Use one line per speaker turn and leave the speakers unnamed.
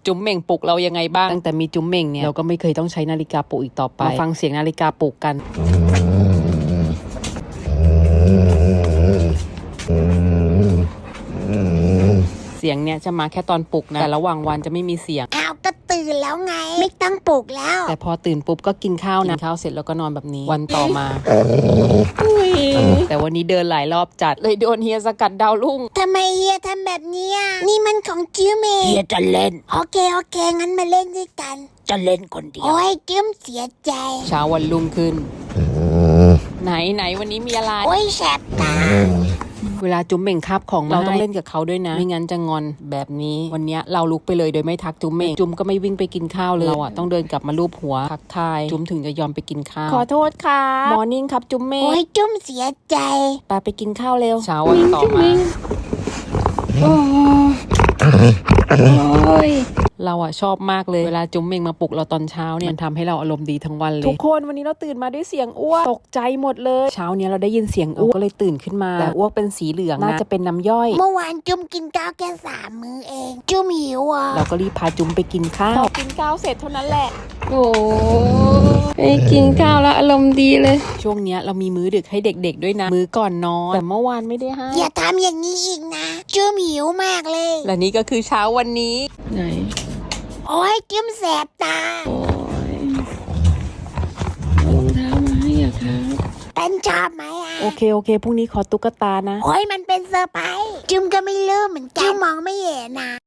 จุ๋มเหม่งปลุกเรายังไงบ้างตั้งแต่มีจุ๋มเหม่งเนี่ยเราก็ไม่เคยต้องใช้นาฬิกาปลุกอีกต่อไปมาฟังเสียงนาฬิกาปลุกกันเสียงเนี่ยจะมาแค่ตอนปลุกนะแต่ระหว่างวันจะไม่มีเสียง
อ้าวก็ตื่นแล้วไงไม่ต้องปลุกแล้ว
แต่พอตื่นปุ๊บก็กินข้าวนะกินข้าวเสร็จแล้วก็นอนแบบนี้วันต่อมาแต่วันนี้เดินหลายรอบจัดเลยโดนเฮียสกัดดาวรุ่ง
ทำไมเฮียทำแบบนี้นี่มันของจิ้มเอง
เฮียจะเล่น
โอเคงั้นมาเล่นด้วยกัน
จะเล่นคนเดียว
โอ้ยจิ้มเสียใจ
เช้าวันรุ่งขึ้นไหนวันนี้มีอะไร
โอ้ยแสบตา
เวลาจุ๋มเหม่งคาบของเราต้องเล่นกับเขาด้วยนะไม่งั้นจะงอนแบบนี้วันนี้เราลุกไปเลยโดยไม่ทักจุ๋มเหม่งจุ๋มก็ไม่วิ่งไปกินข้าวเลยเราต้องเดินกลับมาลูบหัวทักทายจุ๋มถึงจะยอมไปกินข้าวขอโทษค่ะมอร์นิ่งครับจุ๋มเหม่ง
โอ้ยจุ๋มเสียใจ
ไปกินข้าวเร็วเช้าวันต่อมาเราชอบมากเลยเวลาจุ๋มเมงมาปลุกเราตอนเช้าเนี่ยมันทำให้เราอารมณ์ดีทั้งวันเลยทุกคนวันนี้เราตื่นมาด้วยเสียงอ้วกตกใจหมดเลยเช้าเนี้ยเราได้ยินเสียงอ้วกก็เลยตื่นขึ้นมาแต่อ้วกเป็นสีเหลืองน่าจะเป็นน้ำย่อย
เมื่อวานจุ๋มกินข้าวแค่3 มื้อเองจุ๋มหิว
เราก็รีบพาจุ๋มไปกินข้าวพอกินข้าวเสร็จเท่านั้นแหละโอ้ยกินข้าวแล้วอารมณ์ดีเลยช่วงเนี้ยเรามีมื้อดึกให้เด็กๆด้วยนะมื้อก่อนนอนแต่เมื่อวานไม่ได้ให้
อย่าทำอย่างนี้อีกนะจุ๋มหิวมากเลย
และนี่ก็คือเช้าวันนี้ไหน
โอ้ยจิ้มแสบตา
โอ้ยรองเท้ามาให้อะครับ
เป็นชอบไหม
โอเคพรุ่งนี้ขอตุ๊กตานะ
โอ้ยมันเป็นเซอร์ไพรส์จิ้มก็ไม่รู้เหมือนกันจิ้มมองไม่เห็นนะ